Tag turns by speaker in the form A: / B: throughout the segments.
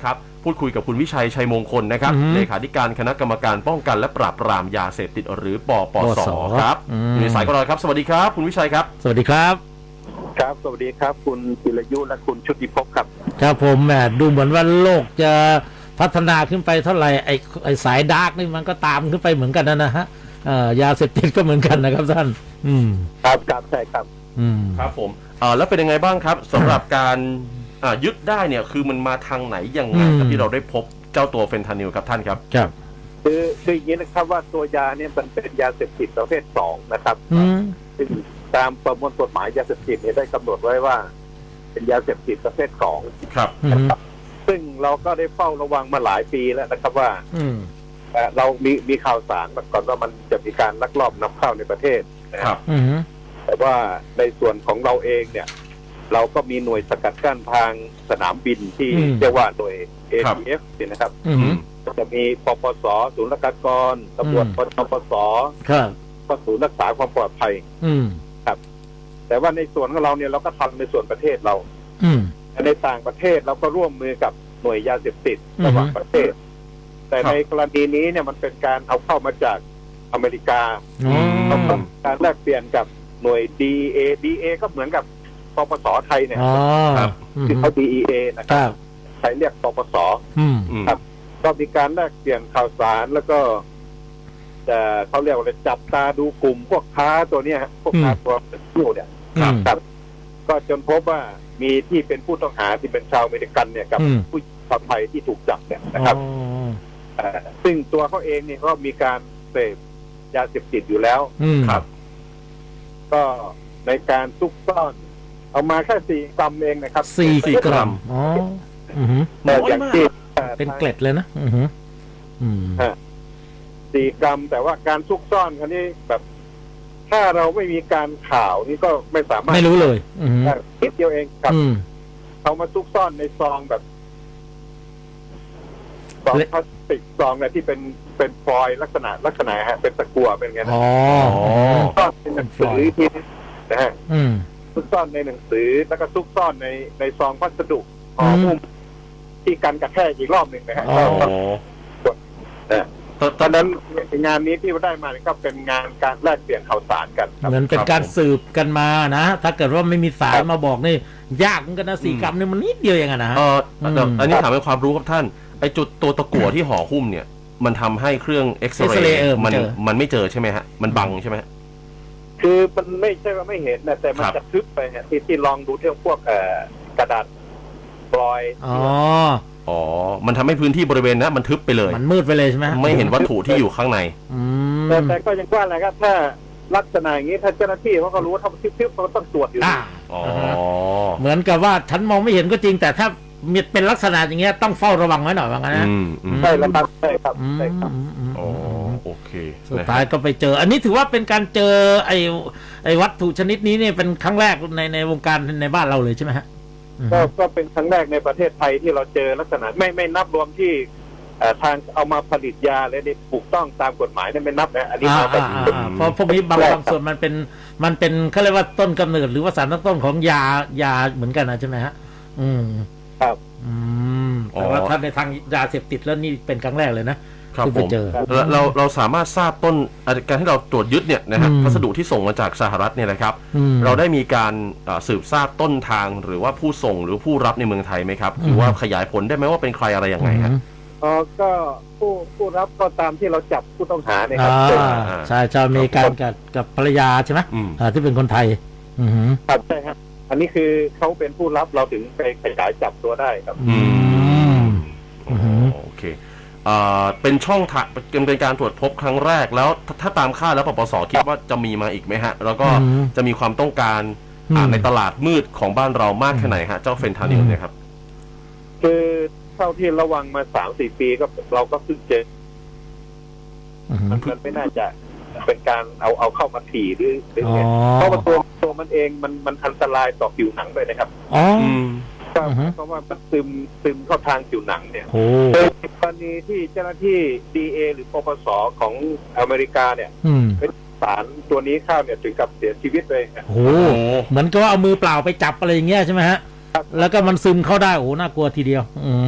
A: นะครับพูดคุยกับคุณวิชัยชัยมงคลนะครับเลขาธิการคณะกรรมการป้องกันและปราบปรามยาเสพติดหรือปปส.ครับอยู่ในสายกับเราครับสวัสดีครับคุณวิชัยครับ
B: สวัสดีครับ
C: ครับสวัสดีครับคุณจิรยุและคุณชุติภพครับ
B: ครับผมแหมดูเหมือนว่าโลกจะพัฒนาขึ้นไปเท่าไหร่ไอ้สายดาร์กนี่มันก็ตามขึ้นไปเหมือนกันนะฮะยาเสพติดก็เหมือนกันนะครับท่าน
C: ครับครับใช่ครับ
A: ครับผมแล้วเป็นยังไงบ้างครับสำหรับการยึดได้เนี่ยคือมันมาทางไหนยังไงครับที่เราได้พบเจ้าตัวเฟนทานิลครับท่านครับ
B: ครับ
C: คืออย่างนี้นะครับว่าตัวยาเนี่ยมันเป็นยาเสพติดประเภท2นะครับซึ่งตามประมวลกฎหมายยาเสพติดเนี่ยได้กำหนดไว้ว่าเป็นยาเสพติดประเภท2
A: ครับ
C: ซึ่งเราก็ได้เฝ้าระวังมาหลายปีแล้วนะครับว่าเรามีข่าวสารมาก่อนว่ามันจะมีการลักลอบนำเข้าในประเทศ
A: นะครับ
C: แต่ว่าในส่วนของเราเองเนี่ยเราก็มีหน่วยสกัดกั้นทางสนามบินที่เรียกว่าหน่วย ATF นะครับจะมีปปส.ศูนย์ราชการตำรวจปปส.ก็ศูนย์รักษาความปลอดภัยครับแต่ว่าในส่วนของเราเนี่ยเราก็ทำในส่วนประเทศเราในต่างประเทศเราก็ร่วมมือกับหน่วยยาเสพติดระหว่างประเทศแต่ในกรณีนี้เนี่ยมันเป็นการเอาเข้ามาจากอเมริกาการแลกเปลี่ยนกับหน่วย DA ก็เหมือนกับปปส.ไทยเนี่ยที่เขา DEA นะครับไทยเรียกปปส.ครับก็มีการแลกเปลี่ยนข่าวสารแล้วก็เขาเรียกว่าจับตาดูกลุ่มพวกค้าตัวเนี้ยพวกค้าตัวผู้เนี่ยครับก็จนพบว่ามีที่เป็นผู้ต้องหาที่เป็นชาวอเมริกันเนี่ยกับผู้ชาวไทยที่ถูกจับเนี่ยนะครับซึ่งตัวเขาเองเนี่ยก็มีการเสพยาเสพติดอยู่แล้วครับก็ในการซุกซ่อนเอามาแค่4 กรัมเองนะครับ
B: 4 กรัม
C: แต่อย่างที่
B: เป็นเกล็ดเลยนะ
C: 4 กรัมแต่ว่าการซุกซ่อนครั้นี้แบบถ้าเราไม่มีการข่าวนี่ก็ไม่สามารถ
B: ไม่รู้เลย
C: คิดเดียวเองครับเอามาซุกซ่อนในซองแบบซองพลาสติกซองเนี่ยที่เป็นฟอยล์ลักษณะฮะเป็นตะกั่วเป็นไงนะซ่อนในหนังสือที่นะฮะซุกซ่อนในหนังสือแล้วก็ซุกซ่อนในซองพัสดุห่อหุ้มที่กันกระแทกอีกรอบหนึ่งนะฮะตอนนั้นงานนี้ที่ได้มาก็เป็นงานการแลกเปลี่ยนข่าวสารกัน
B: เหมือนเป็นการสืบกันมานะถ้าเกิดว่าไม่มีสายมาบอกนี่ยากเหมือนกันนะ4 กรัมนี่มันนิดเดียวเองนะ
A: อันนี้ถามเป็นความรู้ครับท่านไอ้จุดตัวตะกั่วที่ห่อหุ้มเนี่ยมันทำให้เครื่องเอ็กซเรย์มันไม่เจอใช่ไหมฮะมันบังใช่ไหม
C: คือมันไม่ใช่ว่าไม่เห็นนะแต่มันจะทึบไปฮะที่ลองดูเรื่องพวกกระดาษฟอยล์
A: มันทำให้พื้นที่บริเวณนั้นมันทึบไปเลย
B: มันมืดไปเลยใช่ไหม
A: ไม่เห็นวัตถุที่อยู่ข้างใน
C: แต่ก็ยังว่าอะไรครับถ้าลักษณะอย่างนี้ถ้าเจ้าหน้าที่เขาก็รู้ว่าถ้าทึบเขาต้องตรวจอยู่
B: เหมือนกับว่าฉันมองไม่เห็นก็จริงแต่ถ้ามีเป็นลักษณะอย่างเงี้ยต้องเฝ้าระวังไว้หน่อยว่างั้นนะ
C: ใช่แล้วครับใช่ครับ
A: โอเค
B: สุดท้ายก็ไปเจออันนี้ถือว่าเป็นการเจอไอ้วัตถุชนิดนี้เนี่ยเป็นครั้งแรกในวงการในบ้านเราเลยใช่ไหมฮะ
C: ก็เป็นครั้งแรกในประเทศไทยที่เราเจอลักษณะไม่นับรวมที่ทางเอามาผลิตยาและได้ถูกต้องตามกฎหมายนั่นไม่นับนะอันนี้
B: เพราะพวกนี้บางส่วนมันเป็นเขาเรียกว่าต้นกำเนิดหรือว่าสารตั้งต้นของยาเหมือนกันนะใช่ไหมฮะ
C: ครับ
B: แต่ว่าถ้าในทางยาเสพติดแล้วนี่เป็นครั้งแรกเลยนะครับ
A: ผมเราสามารถทราบต้นการที่เราตรวจยึดเนี่ยนะฮะพัสดุที่ส่งมาจากสหรัฐเนี่ยนะครับเราได้มีการสืบทราบต้นทางหรือว่าผู้ส่งหรือผู้รับในเมืองไทยไหมครับหรือว่าขยายผลได้ไหมว่าเป็นใครอะไรยังไงฮะ
C: ก็ผู้รับก็ตามที่เราจับผู้ต้องหาเนี่ยครับ
B: ใช่จะมีการกับภรรยาใช่ไหมที่เป็นคนไทย
C: ครับใช่ครับอันนี้คือเขาเป็นผู้รับเราถึงไปขยายจับตัวได้ครับ
A: โอเคเป็นช่องทางเป็นการตรวจพบครั้งแรกแล้วถ้าตามคาดแล้วปปส.คิดว่าจะมีมาอีกไหมฮะแล้วก็จะมีความต้องการในตลาดมืดของบ้านเรามากแค่ไหนฮะเจ้าเฟนทานิลเนี่ยครับ
C: คือเท่าที่ระวังมา 3-4 ปีก็เราก็เพิ่งเจอมันไม่น่าจะเป็นการเอาเข้ามาถี่หรือเพราะว่าตัวมันเองมันอันตรายต่อผิวหนังด้วยนะครับเพราะว่ามันซึมเข้าทางผิวหนังเนี่ยในกรณีที่เจ้าหน้าที่ DA หรือปปส.ของอเมริกาเนี่ยเป็นสารตัวนี้เข้าเนี่ยถึงกับเสียชีวิตเลย
B: เหมือนกับว่าเอามือเปล่าไปจับอะไรอย่างเงี้ยใช่ไหมฮะแล้วก็มันซึมเข้าได้น่ากลัวทีเดียว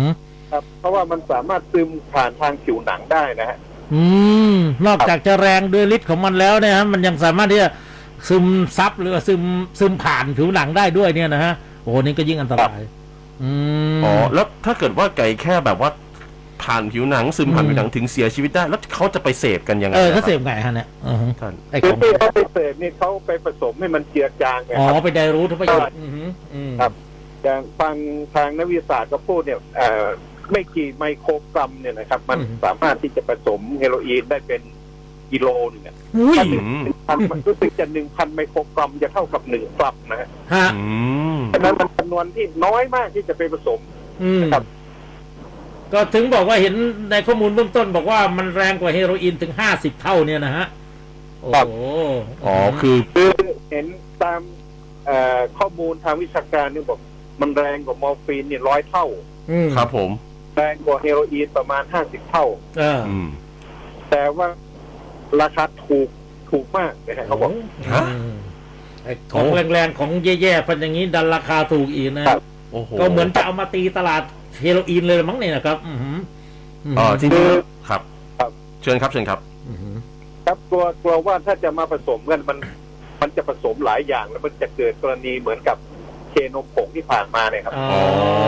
C: ครับเพราะว่ามันสามารถซึมผ่านทางผิวหนังได้นะฮะ
B: อืมนอกจากจะแรงด้วยฤทธิ์ของมันแล้วเนี่ยฮะมันยังสามารถที่จะซึมซับหรือว่าซึมผ่านผิวหนังได้ด้วยเนี่ยนะฮะโอ้โหนี่ก็ยิ่งอันตรายม
A: อ๋อแล้วถ้าเกิดว่าไก่แค่แบบว่าผ่านผิวหนังซึมผ่านผิวหนังถึงเสียชีวิตได้ แล้วเขาจะไปเสพกันยังไง
B: เขาเส
A: ค
B: พ
A: รับ
B: ไงฮะเนี่ย
A: ท่าน
B: ไอ้ข
C: คือ
B: อง
C: ที่เขาไปเสพนี่เขาไปผสมให้มันเจือจางไง
B: อ๋อ
C: ครับ
B: ไปไดรูทประโยชน์
C: ครับ อย่างฟังทางนักวิทยาศาสตร์ก็พูดเนี่ยไม่กี่ไมโครกรัมเนี่ยนะครับ มันสามารถที่จะผสมเฮโรอีนได้เป็นกิโลนึงเนี่ย
B: อุ้ย
C: ถ้า1,000มันรู้สึกจะ 1,000 ไมโครกรัมจะเท่ากับ1 กรัมนะฮะ
B: ฮะ
A: อืม
C: ฉะนั้นมันจำนวนที่น้อยมากที่จะไปผสม ครับ
B: ก็ถึงบอกว่าเห็นในข้อมูลเบื้องต้นบอกว่ามันแรงกว่าเฮโรอีนถึง50 เท่าเนี่ยนะฮะโอ้โห
A: อ๋อคือ
C: คือเห็นตามข้อมูลทางวิชาการเนี่ยบอกมันแรงกว่ามอร์ฟีนเนี่ย100 เท่า
A: ครับผม
C: แรงกว่าเฮโรอีนประมาณ50 เท่า
A: อืม
C: แต่ว่าราคาถูกมากนะฮะเขาบอก
A: ฮะ
B: ไอ้ของแรงๆของแย่ๆพันอย่างนี้ดันราคาถูกอีกนะ
C: ครับ
A: โอ้โห
B: ก็เหมือนจะเอามาตีตลาดเฮโรอีนเลยมั้งเนี่ยนะครับ
A: จริงๆครับ
C: ครับ
A: เชิญครับเชิญครับ
C: ครับกลัวว่าถ้าจะมาผสมกันมันจะผสมหลายอย่างแล้วมันจะเกิดกรณีเหมือนกับเคนมผงที่ผ่านมาเนี่ยครับ
B: อ๋อ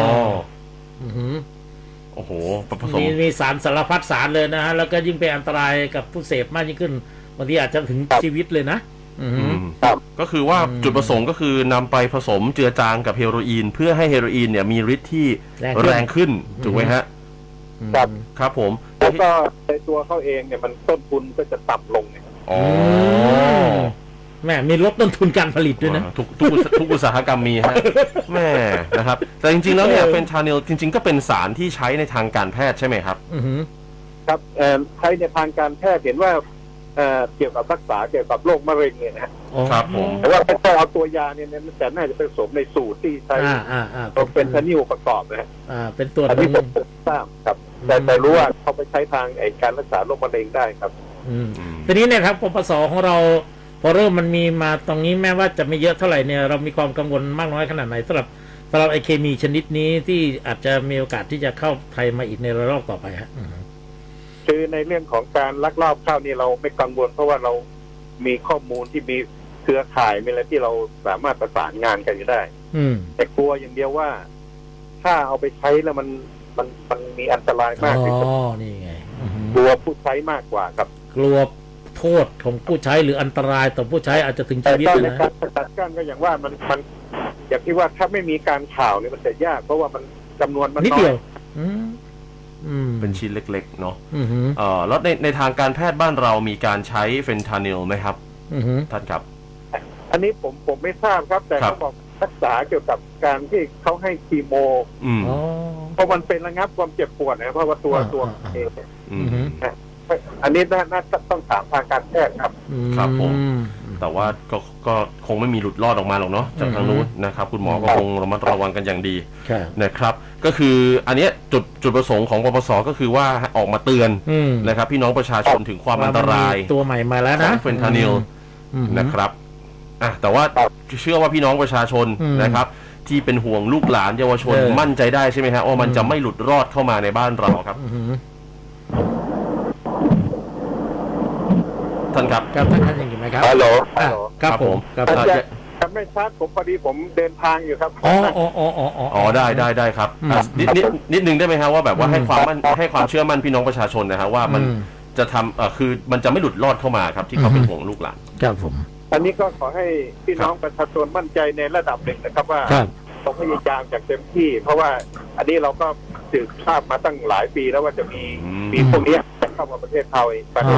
A: โอ้โหผสม
B: มีสารสารพัดสารเลยนะฮะแล้วก็ยิ่งเป็นอันตรายกับผู้เสพมากยิ่งขึ้นบางทีอาจจะถึงชีวิตเลยนะ
C: ครับ
A: ก็คือว่าจุดประสงค์ก็คือนำไปผสมเจือจางกับเฮโรอีนเพื่อให้เฮโรอีนเนี่ยมีฤทธิ์ที่แรงขึ้นถูกไหมฮะ
C: ครับ
A: ครับผม
C: แล้วก็ในตัวเขาเองเนี่ยมันต้นทุนก็จะต่ำลงเนี่ย
A: อ๋อ
B: แม่มีลดต้นทุนการผลิตด้วยนะ
A: ทุกอุตสาหกรรมมีฮะแม่นะครับ แต่จริงๆแล้วเนี่ยเฟนทานิลจริงๆก็เป็นสารที่ใช้ในทางการแพทย์ใช่ไหมครับ
C: ครับใช้ในทางการแพทย์เห็นว่าเกี่ยวกับรักษาเกี่ยวกับโรคมะเร็งเนี่ยนะฮะ
A: ครับผม
C: แต่ว่าไม่ใช่เอาตัวยาเนี่ยแต่น่าจะผสมในสูตรที่ใช้เป็นทานิลประกอบนะฮะ
B: เป็นตัว
C: อันนี้ผมทราบครับแต่รู้ว่าเขาไปใช้ทางการรักษาโรคมะเร็งได้ครับ
B: ทีนี้เนี่ยครับปปสของเราพอเริ่มมันมีมาตรงนี้แม้ว่าจะไม่เยอะเท่าไหร่เนี่ยเรามีความกังวลมากน้อยขนาดไหนสำหรับไอเคมีชนิดนี้ที่อาจจะมีโอกาสที่จะเข้าไทยมาอีกในระลอกต่อไปฮะ
C: คือในเรื่องของการลักลอบเข้านี่เราไม่กังวลเพราะว่าเรามีข้อมูลที่มีเครือข่ายมีอะไรที่เราสามารถประสานงานกันอยู่ได้แต่กลัวอย่างเดียวว่าถ้าเอาไปใช้แล้วมันมีอันตรายมากที่สุด
B: นี่ไง
C: กลัวผู้ใช้มากกว่าครับ
B: กลัวโทษของผู้ใช้หรืออันตรายต่อผู้ใช้อาจจะถึง
C: แต่
B: ชีวิต
C: ก็ใน
B: นะ
C: การสกัดกั้นก็อย่างว่ามันอย่างที่ว่าถ้าไม่มีการข่าวเนี่ยมันจะยากเพราะว่ามันจำนวนมัน
B: นิด
C: น้อ
B: เดีย
C: ยว
A: เป็นชิ้นเล็กๆเนาะแล้วในทางการแพทย์บ้านเรามีการใช้เฟนทานิลไหมครับท่านครับ
C: อันนี้ผมไม่ทราบครับ แต่เขาบอกรักษาเกี่ยวกับการที่เขาให้คีโมเพราะมันเป็นระงับความเจ็บปวดนะเพราะว่าตัวเองอันนี้น่าต้องถามทางการแพทย์ครับ
A: ครับผมแต่ว่าก็คงไม่มีหลุดรอดออกมาหรอกเนาะจากทางนู้นนะครับคุณหมอก็คงระมัดระวังกันอย่างดีนะครับก็คืออันนี้จุดประสงค์ของปปสก็คือว่าออกมาเตือนนะครับพี่น้องประชาชนถึงความอันตราย
B: ตัวใหม่มาแล้วนะ
A: เฟนทานิลนะครับแต่ว่าเชื่อว่าพี่น้องประชาชนนะครับที่เป็นห่วงลูกหลานเยาวชนมั่นใจได้ใช่ไหมฮะว่ามันจะไม่หลุดรอดเข้ามาในบ้านเราครับท่านครับ
B: ท่านยังอยู่ไหมครับ
C: ฮัลโหล
B: ครับผม
C: ครับไม่ชัดผมพอดีผมเดินทางอยู่ครับ
A: อ๋อได้ครับนิดนึงได้ไหมฮะว่าแบบว่าให้ความเชื่อมั่นพี่น้องประชาชนนะฮะว่ามันจะทำคือมันจะไม่หลุดรอดเข้ามาครับที่เขาเป็นห่วงลูกหลาน
B: ครับผม
C: อันนี้ก็ขอให้พี่น้องประชาชนมั่นใจในระดับหนึ่งนะครับว่าต้องพยายามจากเต็มที่เพราะว่าอันนี้เราก็สืบทราบมาตั้งหลายปีแล้วว่าจะมีพวกนี้จะเข้ามาประเทศไทย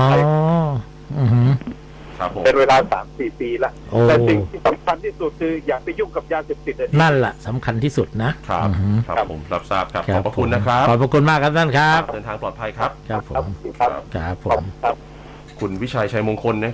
C: เป็นเวลา 3-4 ปีแล้วแต่สิ่งที่สำคัญที่สุดคืออย่าไปยุ่งกับยาเสพติด
B: นั่นแหละสำคัญที่สุดนะครับ
A: ผมรับทราบครับขอบพระคุณนะครับ
B: ขอบพระคุณมากครับท่านครับ
A: เดินทางปลอดภัยครับ
B: ครับผมคุณวิชัยชัยมงคลนะ